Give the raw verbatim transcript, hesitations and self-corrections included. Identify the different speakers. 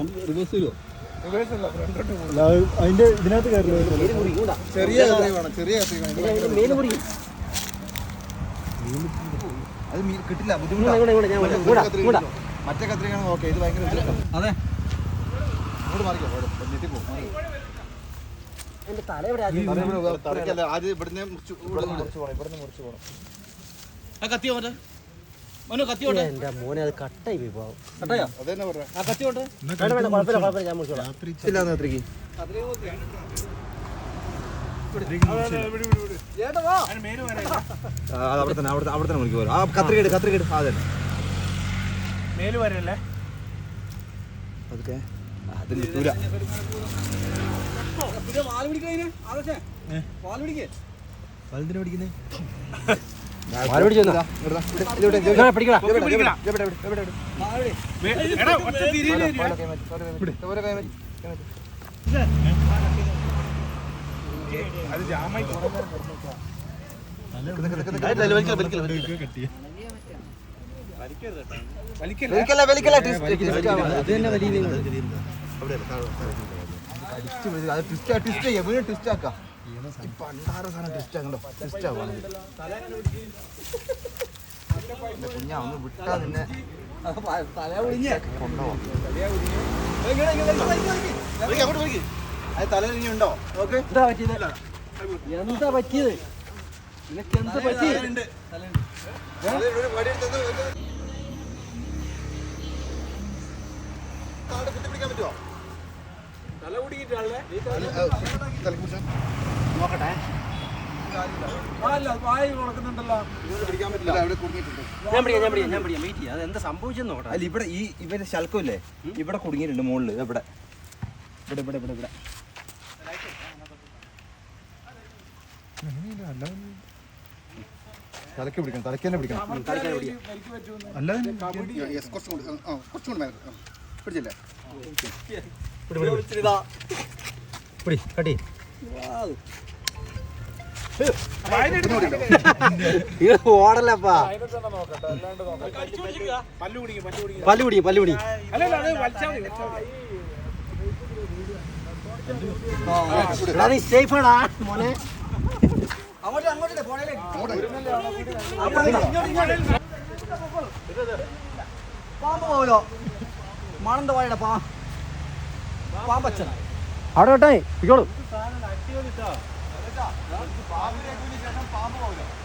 Speaker 1: അതിന്റെ ഇതിനകത്ത് കയറില്ല.
Speaker 2: ചെറിയ ചെറിയ അത് കിട്ടില്ല, ബുദ്ധിമുട്ടാണ്. മറ്റേ കത്രികയാണ് ഓക്കെ, ഇത് ഭയങ്കര അതെ. അങ്ങോട്ട് മാറിക്കോ, ഞെട്ടിപ്പോ. ആദ്യം ഇവിടുന്ന് മുറിച്ച് പോകണം, ഇവിടുന്ന് മുറിച്ച് പോകണം. കത്തിയോ മറ്റേ എന്റെ മോനെ അത് കട്ടായി പോയി പോവാം. കട്ടായോ? അതെന്നെ പറയാ. ആ കത്തിയോട്ടെ. വേണ്ട വേണ്ട, കുഴപ്പമില്ല കുഴപ്പമില്ല, ഞാൻ മുറിച്ചോളാം. ഇല്ലാന്ന് കത്രിക്ക്. അവിടെ തന്നെ അവിടെ അവിടെ തന്നെ മുറിക്ക് പോരും. ആ കത്രികേട് കത്രികേട് അതെ മേല് വരല്ലേ അതൊക്കെ അത് കിട്ടൂല. വലുതിനെ പിടിക്കുന്നേ കുഞ്ഞാ ഒന്ന് വിട്ടാ നിന്നെ തലയിലുണ്ടോ?
Speaker 1: എന്താ പറ്റിയത് നിനക്ക്? എന്താ പറ്റിയത്?
Speaker 2: കുത്തിപ്പിടിക്കാൻ പറ്റുമോ?
Speaker 1: തല കുടിക്കിട്ടാളെ
Speaker 2: നോക്കട്ടെ.
Speaker 1: അതെന്താ സംഭവിച്ചെന്ന് നോക്കട്ടെ.
Speaker 2: അല്ല ഇവിടെ ഈ ഇവന്റെ ശൽക്കമില്ലേ ഇവിടെ കുടുങ്ങിയിട്ടുണ്ട് മുകളില്. ഇവിടെ ഇവിടെ ഇവിടെ ഇവിടെ ഇവിടെ തലക്ക് പിടിക്കണം, തലക്ക് തന്നെ പിടിക്കണം. പിടിച്ചില്ലേ?
Speaker 1: ഓടല്ലപ്പാ, പല്ല് പിടി പല്ല് പിടി. നീ സേഫാടാ മോനെ. പാമ്പ് പോവല്ലോ, മണന്റെ വായുടെ പാ പാമ്പച്ചന അവിടെ കേട്ടേ പിക്കോളൂ.
Speaker 2: പാമ്പിനെ ശേഷം പാമ്പ് പോവില്ല.